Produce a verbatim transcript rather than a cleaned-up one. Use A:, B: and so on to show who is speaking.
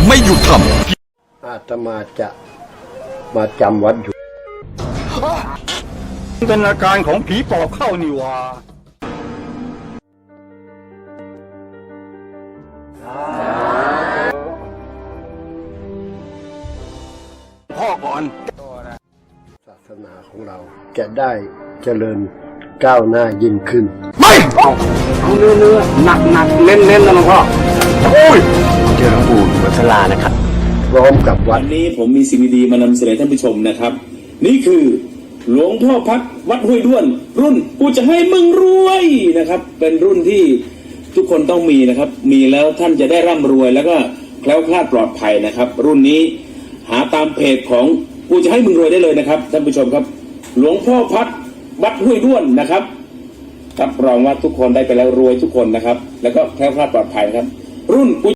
A: ไม่หยุดท
B: ำอาตมาจะมาจำวัดอยู่
C: เป็นอาการของผีปอบเข้านี่วะพ่อก่อน
B: ศาสนาของเราจะได้เจริญก้าวหน้ายิ่งขึ้น
C: ไม่เอาเอาเนื้อเนื้อหนักหนักเน้นเน้นนะหลวงพ่อโอ้ยเจอหลวงปู่วัชรานะครับ
B: พร้อมกับวัด
D: วันนี้ผมมีสิ่งดีๆมานำเสนอท่านผู้ชมนะครับนี่คือหลวงพ่อพัดวัดห้วยด้วนรุ่นกูจะให้มึงรวยนะครับเป็นรุ่นที่ทุกคนต้องมีนะครับมีแล้วท่านจะได้ร่ำรวยแล้วก็แคล้วคลาดปลอดภัยนะครับรุ่นนี้หาตามเพจของกูจะให้มึงรวยได้เลยนะครับท่านผู้ชมครับหลวงพ่อพัดวัดห้วยด้วนนะครับรับรองว่าทุกคนได้ไปแล้วรวยทุกคนนะครับแล้วก็แคล้วคลาดปลอดภัยครับรุ่น